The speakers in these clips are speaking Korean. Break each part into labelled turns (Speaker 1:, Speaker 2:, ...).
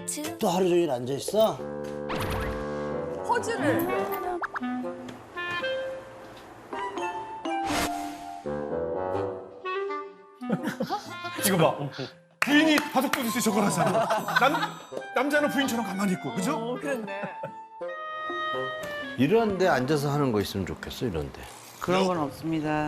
Speaker 1: 또 하루 종일 앉아 있어?
Speaker 2: 퍼즐을.
Speaker 3: 이거 봐. 부인이 바둑 두듯이 저걸 하잖아. 남자는 부인처럼 가만히 있고, 그죠?
Speaker 2: 그렇네.
Speaker 1: 이런 데 앉아서 하는 거 있으면 좋겠어, 이런 데.
Speaker 4: 그런 건 없습니다.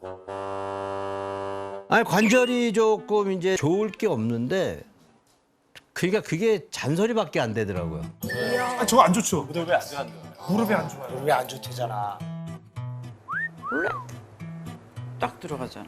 Speaker 1: 아니, 관절이 조금 이제 좋을 게 없는데, 그러니까 그게 잔소리밖에 안 되더라고요.
Speaker 3: 아, 저거 안 좋죠? 무릎에 안 좋아요. 무릎에 안 좋아요.
Speaker 5: 왜 안 좋대잖아.
Speaker 4: 원래 딱 들어가잖아.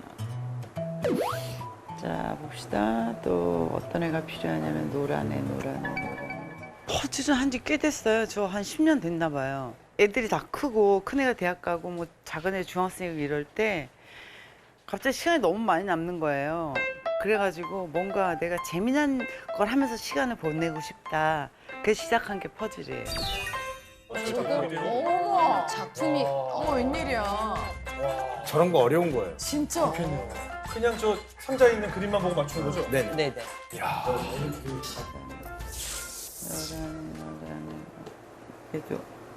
Speaker 4: 자, 봅시다. 또 어떤 애가 필요하냐면 노란애. 퍼즐은 한 지 꽤 됐어요. 저 한 10년 됐나 봐요. 애들이 다 크고 큰 애가 대학 가고 뭐 작은 애 중학생이고 이럴 때 갑자기 시간이 너무 많이 남는 거예요. 그래가지고 뭔가 내가 재미난 걸 하면서 시간을 보내고 싶다. 그래서 시작한 게 퍼즐이에요.
Speaker 2: 어머, 작품이. 어머, 웬일이야.
Speaker 5: 저런 거 어려운 거예요.
Speaker 2: 진짜.
Speaker 3: 그냥 저 상자에 있는 그림만 보고 맞추는 거죠?
Speaker 5: 네네.
Speaker 4: 네네.
Speaker 3: 이야.
Speaker 4: 노란애. 얘도.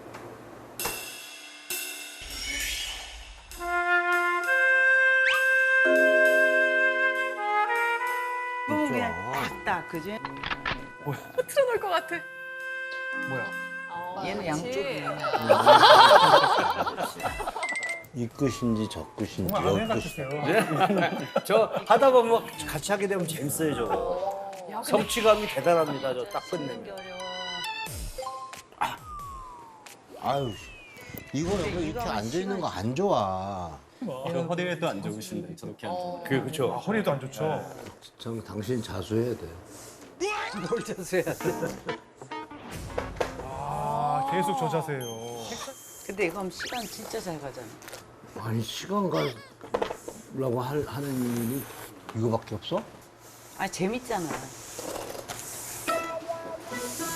Speaker 4: 이건 그냥 딱딱, 그지?
Speaker 2: 틀어놓을 것 같아.
Speaker 3: 뭐야?
Speaker 4: 얘는 양쪽이에요.
Speaker 1: 이 끝인지 저 끝인지
Speaker 3: 정말 아내
Speaker 1: 여 끝인지.
Speaker 3: 같으세요.
Speaker 5: 저 하다 보면 같이 하게 되면 재밌어요, 저거.
Speaker 2: 야, 근데
Speaker 5: 성취감이 대단합니다, 저 딱 끝내면.
Speaker 4: 어려워.
Speaker 1: 아유, 이거는 왜 이렇게 앉아 있는 거 안 좋아.
Speaker 6: 저 허리에도 안 좋으신데 저렇게 앉아.
Speaker 5: 그렇죠.
Speaker 3: 아, 허리도 안 좋죠?
Speaker 1: 참 당신 자수해야 돼.
Speaker 4: 뭘 자세야.
Speaker 3: 아, 계속 저 자세예요.
Speaker 4: 근데 이거 하면 시간 진짜 잘 가잖아.
Speaker 1: 아니, 시간 가려고 하는 일이 이거밖에 없어?
Speaker 4: 아 재밌잖아.